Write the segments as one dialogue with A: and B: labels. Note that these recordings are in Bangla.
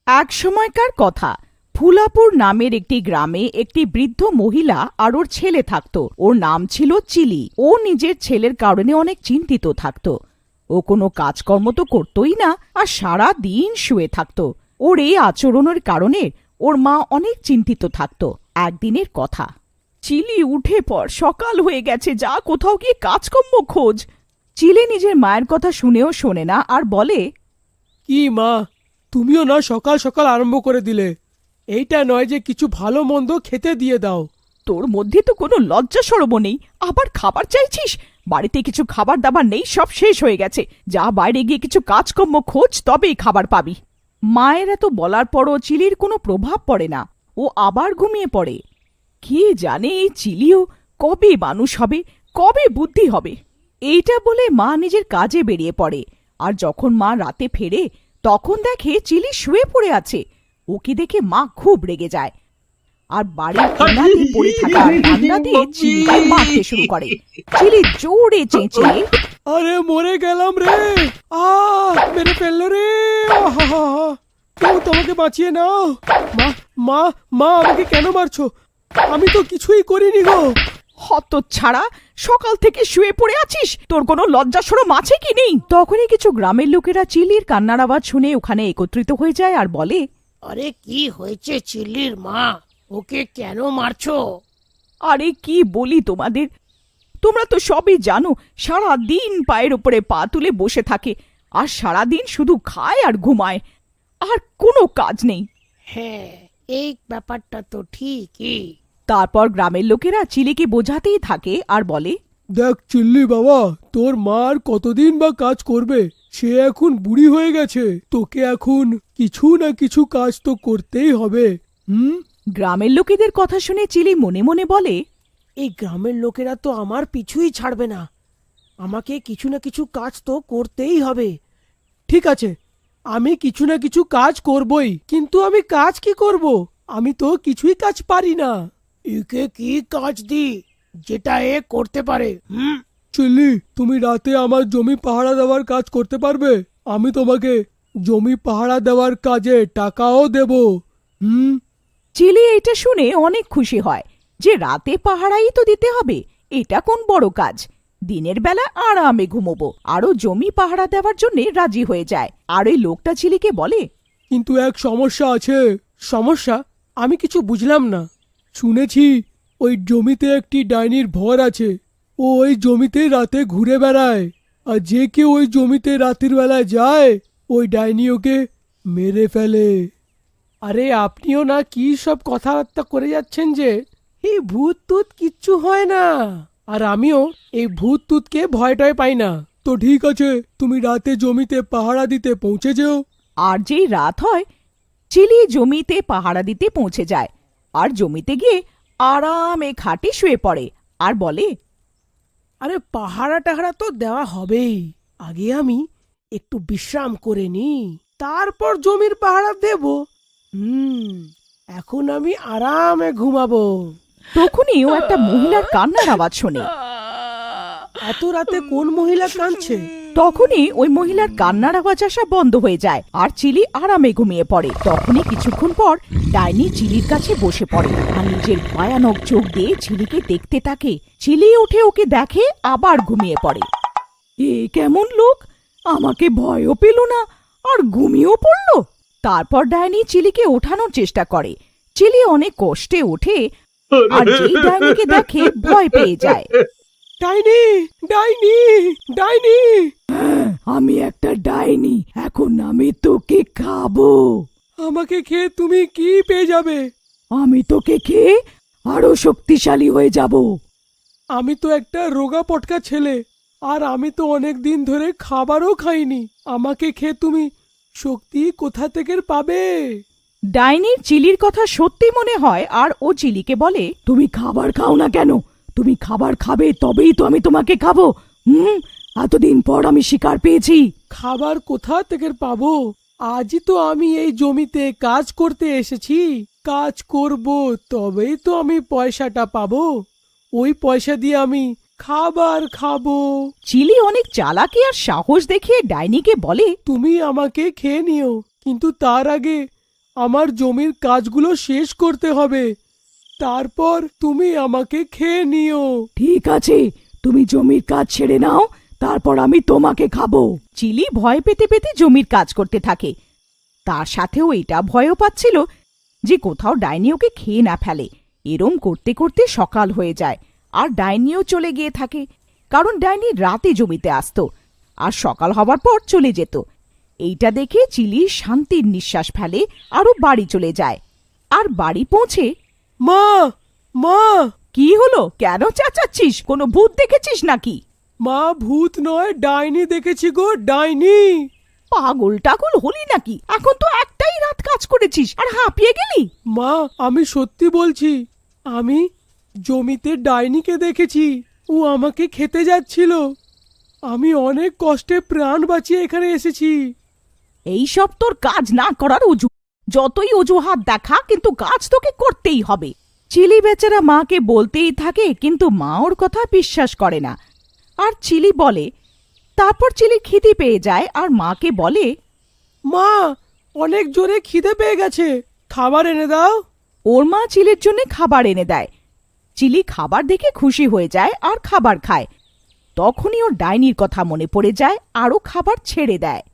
A: এক সময়কার কথা, ফুলাপুর নামের একটি গ্রামে একটি বৃদ্ধ মহিলা আর ওর ছেলে থাকত। ওর নাম ছিল চিলি। ও নিজের ছেলের কারণে অনেক চিন্তিত থাকত। ও কোনো কাজকর্ম তো করতই না, আর সারা দিন শুয়ে থাকত। ওর এই আচরণের কারণে ওর মা অনেক চিন্তিত থাকত। একদিনের কথা, চিলি উঠে পড়, সকাল হয়ে গেছে, যা কোথাও গিয়ে কাজকর্ম খোঁজ। চিলি নিজের মায়ের কথা শুনেও শোনে না আর বলে,
B: কি মা, তুমিও না সকাল সকাল আরম্ভ করে দিলে। এইটা নয় যে কিছু ভালো মন্দ খেতে দিয়ে দাও।
A: তোর মধ্যে তো কোনো লজ্জা সরম নেই, আবার খাবার চাইছিস? বাড়িতে কিছু খাবার দাবার নেই, সব শেষ হয়ে গেছে। যা বাইরে গিয়ে কিছু কাজকর্ম খোঁজ, তবেই খাবার পাবি। মায়ের এত বলার পরও চিলির কোনো প্রভাব পড়ে না। ও আবার ঘুমিয়ে পড়ে। কে জানে এই চিলিও কবে মানুষ হবে, কবে বুদ্ধি হবে। এইটা বলে মা নিজের কাজে বেরিয়ে পড়ে। আর যখন মা রাতে ফেরে, তখন দেখে চিলি শুয়ে পড়ে আছে। ওকে দেখে মা খুব রেগে যায় আর বাড়ির কোণাতে পড়ে থাকা ডান্ডা দিয়ে চিলিকে মারতে শুরু করে। চিলি জোরে চেঁচিয়ে,
B: আরে মরে গেলাম রে, মেরে ফেললো রে, কেউ তোমাকে বাঁচিয়ে নাও। মা মা মা আমাকে কেন মারছো? আমি তো কিছুই করিনি গো।
A: হতচ্ছাড়া, সকাল থেকে শুয়ে পড়ে আছিস, তোর কোনো লজ্জা শরম আছে কি নেই? তখনই কিছু গ্রামের লোকেরা চিলির কান্নার আওয়াজ শুনে ওখানে একত্রিত হয়ে যায় আর বলে,
C: আরে কি হয়েছে চিল্লির মা, ওকে কেন মারছো?
A: আরে কি বলি তোমাদের, তোমরা তো সবই জানো। সারা দিন পায়ের ওপরে পা তুলে বসে থাকে, আর সারা দিন শুধু খায় আর ঘুমায়, আর কোনো কাজ নেই।
C: হ্যাঁ, এই ব্যাপারটা তো ঠিকই।
A: তারপর গ্রামের লোকেরা চিলিকে বোঝাতেই থাকে আর বলে,
B: দেখ চিল্লি বাবা, তোর মা আর কতদিন বা কাজ করবে? সে এখন বুড়ি হয়ে গেছে, তোকে এখন কিছু না কিছু কাজ তো করতেই হবে।
A: গ্রামের লোকেদের কথা শুনে চিলি মনে মনে বলে,
C: এই গ্রামের লোকেরা তো আমার পিছুই ছাড়বে না, আমাকে কিছু না কিছু কাজ তো করতেই হবে।
B: ঠিক আছে, আমি কিছু না কিছু কাজ করবই, কিন্তু আমি কাজ কি করব? আমি তো কিছুই কাজ পারি না।
C: একে কি কাজ দি যেটা এ করতে পারে?
B: চিল্লি, তুমি রাতে আমার জমি পাহারা দেওয়ার কাজ করতে পারবে? আমি তোমাকে জমি পাহারা দেওয়ার কাজে টাকাও দেব।
A: চিলি এটা শুনে অনেক খুশি হয় যে রাতে পাহারাই তো দিতে হবে, এটা কোন বড় কাজ। দিনের বেলা আরামে ঘুমোবো। আরো জমি পাহারা দেওয়ার জন্য রাজি হয়ে যায়। আর ওই লোকটা চিলিকে বলে,
B: কিন্তু এক সমস্যা আছে। সমস্যা? আমি কিছু বুঝলাম না। শুনেছি ওই জমিতে একটি ডাইনির ভর আছে। ও ওই জমিতে রাতে ঘুরে বেড়ায়, আর যে কেউ ওই জমিতে রাতের বেলায় যায়, ওই ডাইনি ওকে মেরে ফেলে। আরে আপনিও না কি সব কথাবার্তা করে যাচ্ছেন যে এই ভূত টুত কিচ্ছু হয় না। আর আমিও এই ভূত টুতকে ভয় টয় পাই না। তো ঠিক আছে, তুমি রাতে জমিতে পাহারা দিতে পৌঁছে যেও।
A: আর যেই রাত হয়, চিলি জমিতে পাহারা দিতে পৌঁছে যায়। আর জমিতে গিয়ে আরামে খাটে শুয়ে পড়ে আর বলে,
C: আরে পাহারা টাহারা তো দেওয়া হবেই, আগে আমি একটু বিশ্রাম করে নি, তারপর জমির পাহারা দেব। এখন আমি আরামে ঘুমাবো।
A: তখনই ও একটা মহিলার কান্নার আওয়াজ শোনে।
C: এত রাতে কোন মহিলা কাঁদছে?
A: তখনই ওই মহিলার কান্নার আওয়াজ আসা বন্ধ হয়ে যায় আর চিলি আরামে ঘুমিয়ে পড়ে। তখনই কিছুক্ষণ পর ডাইনি চিলির কাছে বসে পড়ে আর নিজের ভয়ানক চোখ দিয়ে চিলিকে দেখতে থাকে। চিলি উঠে ওকে দেখে, আবার ঘুমিয়ে পড়ে। এ কেমন লোক, আমাকে ভয়ও পেল না আর ঘুমিয়েও পড়ল। তারপর ডাইনি চিলিকে ওঠানোর চেষ্টা করে। চিলি অনেক কষ্টে ওঠে আর যেই ডাইনিকে দেখে ভয় পেয়ে যায়।
B: ডাইনি, ডাইনি, ডাইনি!
A: আমি একটা ডাইনি, এখন আমি তোকে খাবো।
B: আমাকে খেয়ে তুমি কি পেয়ে যাবে?
A: আমি তোকে খেয়ে আরো শক্তিশালী হয়ে যাব।
B: আমি তো একটা রোগা পটকা ছেলে, আর আমি তো অনেক দিন ধরে খাবারও খাইনি। আমাকে খেয়ে তুমি শক্তি কোথা থেকে পাবে?
A: ডাইনির চিলির কথা সত্যি মনে হয় আর ও চিলিকে বলে, তুমি খাবার খাও না কেন? তুমি খাবার খাবে, তবেই তো আমি তোমাকে খাবো। এতদিন পর আমি শিকার পেয়েছি।
B: খাবার কোথা থেকে পাবো? আজই তো আমি এই জমিতে কাজ করতে এসেছি। কাজ করব, তবেই তো আমি পয়সাটা পাবো। ওই পয়সা দিয়ে আমি খাবার খাবো।
A: চিলি অনেক চালাকি আর সাহস দেখিয়ে ডাইনিকে বলে,
B: তুমি আমাকে খেয়ে নিও, কিন্তু তার আগে আমার জমির কাজগুলো শেষ করতে হবে, তারপর তুমি আমাকে খেয়ে নিও।
A: ঠিক আছে, তুমি জমির কাজ ছেড়ে নাও, তারপর আমি তোমাকে খাবো। চিলি ভয় পেতে পেতে জমির কাজ করতে থাকে। তার সাথেও এটা ভয়ও পাচ্ছিল যে কোথাও ডাইনি ওকে খেয়ে না ফেলে। এরম করতে করতে সকাল হয়ে যায়, আর ডাইনিও চলে গিয়ে থাকে, কারণ ডাইনি রাতে জমিতে আসতো আর সকাল হবার পর চলে যেত। এইটা দেখে চিলি শান্তির নিঃশ্বাস ফেলে আরও বাড়ি চলে যায়। আর বাড়ি পৌঁছে,
B: মা, মা,
A: কি হলো? কেন চেঁচাচ্ছিস? কোনো ভূত দেখেছিস নাকি?
B: মা, ভূত নয়, ডাইনি দেখেছি গো, ডাইনি।
A: পাগল টাগল হলি নাকি? এখন তো একটাই রাত কাজ করেছিস আর হাঁপিয়ে গেলি।
B: মা, আমি সত্যি বলছি, আমি জমিতে ডাইনিকে দেখেছি। ও আমাকে খেতে যাচ্ছিল। আমি অনেক কষ্টে প্রাণ বাঁচিয়ে এখানে এসেছি।
A: এইসব তোর কাজ না করার অজু। যতই অজুহাত দেখা, কিন্তু কাজ তোকে করতেই হবে। চিলি বেচারা মাকে বলতেই থাকে, কিন্তু মা ওর কথা বিশ্বাস করে না। আর চিলি বলে, তারপর চিলি খিদে পেয়ে যায় আর মাকে বলে,
B: মা, অনেক জোরে খিদে পেয়ে গেছে, খাবার এনে দাও।
A: ওর মা চিলির জন্য খাবার এনে দেয়। চিলি খাবার দেখে খুশি হয়ে যায় আর খাবার খায়। তখনই ওর ডাইনির কথা মনে পড়ে যায় আর ও খাবার ছেড়ে দেয়।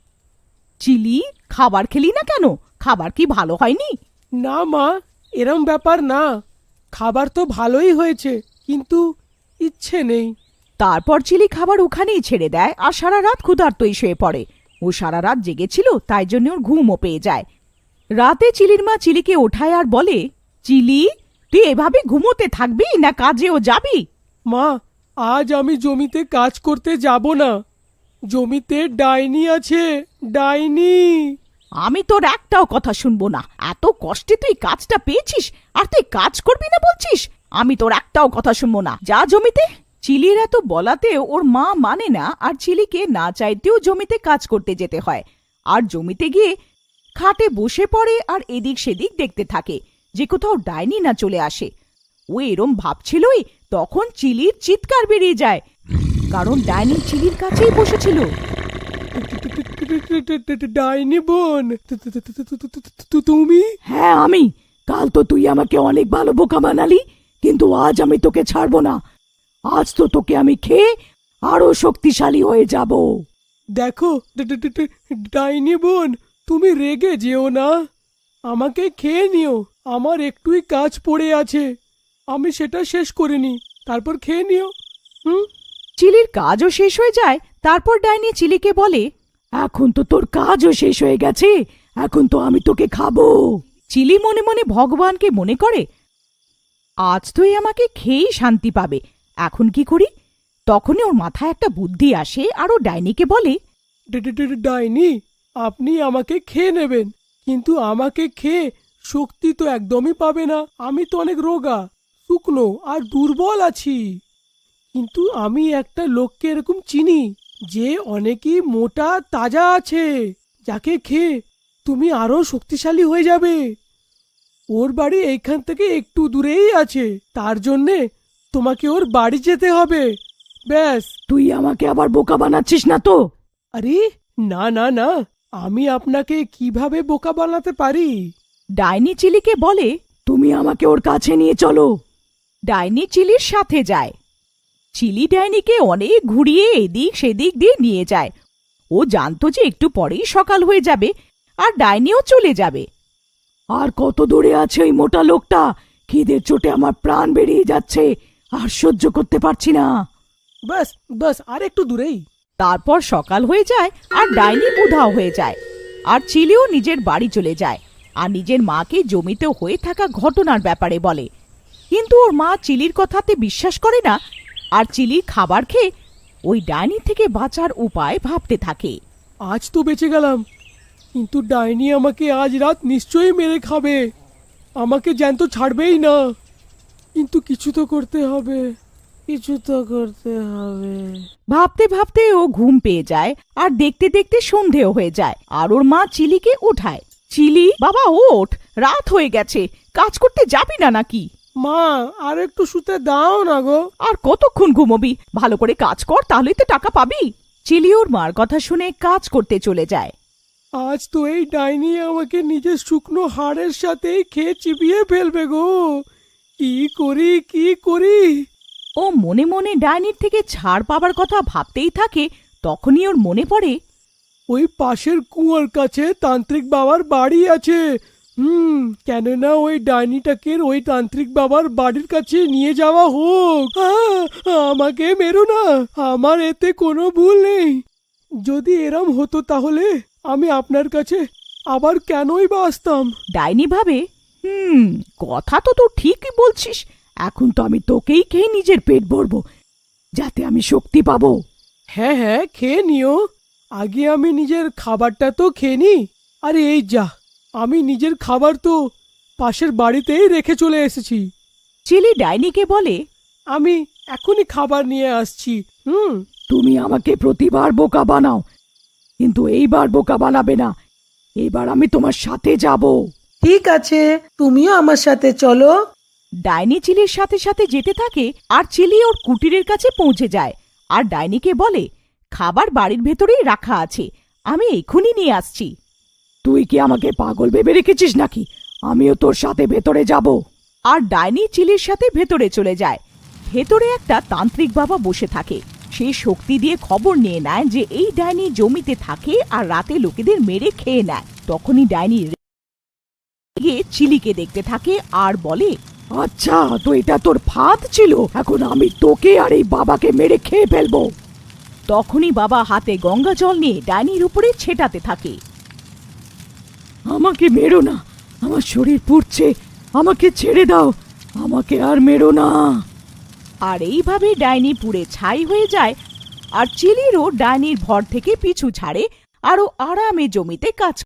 A: চিলি, খাবার খেলি না কেন? খাবার কি ভালো হয়নি?
B: না মা, এরম ব্যাপার না, খাবার তো ভালোই হয়েছে, কিন্তু ইচ্ছে নেই।
A: তারপর চিলি খাবার ওখানেই ছেড়ে দেয় আর সারা রাত ক্ষুধার্তই শুয়ে পড়ে। ও সারা রাত জেগেছিল, তাই জন্য ওর ঘুমও পেয়ে যায়। রাতে চিলির মা চিলিকে ওঠায় আর বলে, চিলি, তুই এভাবে ঘুমোতে থাকবি না কাজেও যাবি?
B: মা, আজ আমি জমিতে কাজ করতে যাব না। জমিতে ডাইনি আছে, ডাইনি।
A: আমি তোর একটাও কথা শুনবো না। এত কষ্টে তুই কাজটা পেয়েছিস আর তুই কাজ করবি না বলছিস? আমি তোর একটাও কথা শুনবো না, যা জমিতে। চিলির এত বলাতেও ওর মা মানে না, আর চিলিকে না চাইতেও জমিতে কাজ করতে যেতে হয়। আর জমিতে গিয়ে খাটে বসে পড়ে আর এদিক সেদিক দেখতে থাকে যে কোথাও ডাইনি না চলে আসে। ও এরম ভাবছিলই তখন চিলির চিৎকার বেরিয়ে যায়, কারণ ডাইনি চিলির কাছেই বসেছিল।
B: ডাইনি বোন, তুমি?
A: হ্যাঁ, আমি। কাল তো তুই আমাকে অনেক ভালো বোকা বানালি, কিন্তু আজ আমি তোকে ছাড়বো না। আজ তো তোকে আমি খেয়ে আরো শক্তিশালী হয়ে যাব।
B: দেখো ডাইনি বোন, তুমি রেগে যেও না, আমাকে খেয়ে নিও। আমার একটুই কাজ পড়ে আছে, আমি সেটা শেষ করিনি, তারপর খেয়ে নিও।
A: চিলির কাজও শেষ হয়ে যায়। তারপর ডাইনি চিলিকে বলে, এখন তো তোর কাজও শেষ হয়ে গেছে, এখন তো আমি তোকে খাবো। চিলি মনে মনে ভগবানকে মনে করে, আজ তুই আমাকে খেয়েই শান্তি পাবে, এখন কি করি? তখনই ওর মাথায় একটা বুদ্ধি আসে আর ও ডাইনিকে বলে,
B: ডাইনি, আপনি আমাকে খেয়ে নেবেন, কিন্তু আমাকে খেয়ে শক্তি তো একদমই পাবে না। আমি তো অনেক রোগা, শুকনো আর দুর্বল আছি। কিন্তু আমি একটা লোককে এরকম চিনি যে অনেকই মোটা তাজা আছে, যাকে খেয়ে তুমি আরো শক্তিশালী হয়ে যাবে। ওর বাড়ি এইখান থেকে একটু দূরেই আছে, তার জন্যে তোমাকে ওর বাড়ি যেতে হবে। ব্যাস।
A: তুই আমাকে আবার বোকা বানাচ্ছিস না তো?
B: আরে না না না, আমি আপনাকে কিভাবে বোকা বানাতে পারি?
A: ডাইনি চিলিকে বলে, তুমি আমাকে ওর কাছে নিয়ে চলো। ডাইনি চিলির সাথে যায়। চিলি ডাইনিকে অনেক ঘুরিয়ে এদিক সেদিক দিয়ে নিয়ে যায়। ও জানতো যে একটু পরেই সকাল হয়ে যাবে আর ডাইনিও চলে যাবে। আর কত দূরে আছে ওই মোটা লোকটা? খিদের চোটে আমার প্রাণ বেরিয়ে যাচ্ছে, আর সহ্য করতে পারছি না।
B: বাস বাস, আর একটু দূরেই।
A: তারপর সকাল হয়ে যায় আর ডাইনি উধাও হয়ে যায়। আর চিলিও নিজের বাড়ি চলে যায় আর নিজের মাকে জমিতে হয়ে থাকা ঘটনার ব্যাপারে বলে। কিন্তু ওর মা চিলির কথাতে বিশ্বাস করে না, আর চিলির খাবার খেয়ে ওই ডাইনি থেকে বাঁচার উপায় ভাবতে থাকে।
B: আজ তো বেঁচে গেলাম, কিন্তু ডাইনি আমাকে আজ রাত নিশ্চয়ই মেরে খাবে, আমাকে জ্যান্ত ছাড়বেই না। কিন্তু কিছু তো করতে হবে, কিছু তো করতে হবে।
A: ভাবতে ভাবতে ও ঘুম পেয়ে যায় আর দেখতে দেখতে সন্ধেও হয়ে যায়। আর ওর মা চিলিকে উঠায়। চিলি, বাবা ওঠ, রাত হয়ে গেছে, কাজ করতে যাবি না নাকি?
B: মা, আর একটু শুতে দাও না গো।
A: আর কতক্ষণ ঘুমোবি? ভালো করে কাজ কর, তাহলেই তো টাকা পাবি। চিলি ওর মার কথা শুনে কাজ করতে চলে যায়।
B: আজ তো এই ডাইনি আমাকে নিজের শুকনো হাড়ের সাথে খেয়ে চিবিয়ে ফেলবে গো। কি করি কি করি।
A: ও মনে মনে ডাইনির থেকে ছাড় পাবার কথা ভাবতেই থাকে। তখনই ওর মনে পড়ে,
B: ওই পাশের কুয়ার কাছে তান্ত্রিক বাবার বাড়ি আছে। কেননা ওই ডাইনিটাকে ওই তান্ত্রিক বাবার বাড়ির কাছে নিয়ে যাওয়া হোক। আমাকে মেরো না, আমার এতে কোনো ভুল নেই। যদি এরম হতো তাহলে আমি আপনার কাছে আবার কেনই বা আসতাম।
A: ডাইনি ভাবে, কথা তো তুই ঠিকই বলছিস। এখন তো আমি তোকেই খেয়ে নিজের পেট ভরবো, যাতে আমি শক্তি পাবো।
B: হ্যাঁ হ্যাঁ, খেয়ে নিও। আগে আমি নিজের খাবারটা তো খেয়ে নি। আরে এই যা, আমি নিজের খাবার তো পাশের বাড়িতেই রেখে চলে এসেছি।
A: চিলি ডাইনিকে বলে,
B: আমি এখনই খাবার নিয়ে আসছি।
A: তুমি আমাকে প্রতিবার বোকা বানাও, কিন্তু এইবার বোকা বানাবে না। এবার আমি তোমার সাথে যাব।
C: ঠিক আছে, তুমিও আমার সাথে চলো।
A: ডাইনি চিলির সাথে সাথে যেতে থাকে, আর চিলি ওর কুটিরের কাছে পৌঁছে যায়। আর ডাইনিকে বলে, খাবার বাড়ির ভেতরেই রাখা আছে, আমি এক্ষুনি নিয়ে আসছি। তুই কি আমাকে পাগল ভেবে রেখেছিস নাকি? আমিও তোর সাথে ভেতরে যাব। আর ডাইনি চিলির সাথে ভেতরে চলে যায়। ভেতরে একটা তান্ত্রিক বাবা বসে থাকে। সে শক্তি দিয়ে খবর নিয়ে নেয় যে এই ডাইনি জমিতে থাকে আর রাতে লোকেদের মেরে খেয়ে নেয়। তখনই ডাইনি গিয়ে চিলিকে দেখতে থাকে আর বলে, আচ্ছা, তো এটা তোর ফাঁদ ছিল। এখন আমি তোকে আর এই বাবাকে মেরে খেয়ে ফেলবো। তখনই বাবা হাতে গঙ্গা জল নিয়ে ডাইনির উপরে ছেটাতে থাকে। আমাকে মেরো না, আমার শরীর পুড়ছে, আমাকে ছেড়ে দাও, আমাকে আর মেরো না। আর এইভাবে ডাইনি পুড়ে ছাই হয়ে যায়। আর চিলিরও ডাইনির ভর থেকে পিছু ছাড়ে, আরো আরামে জমিতে কাজ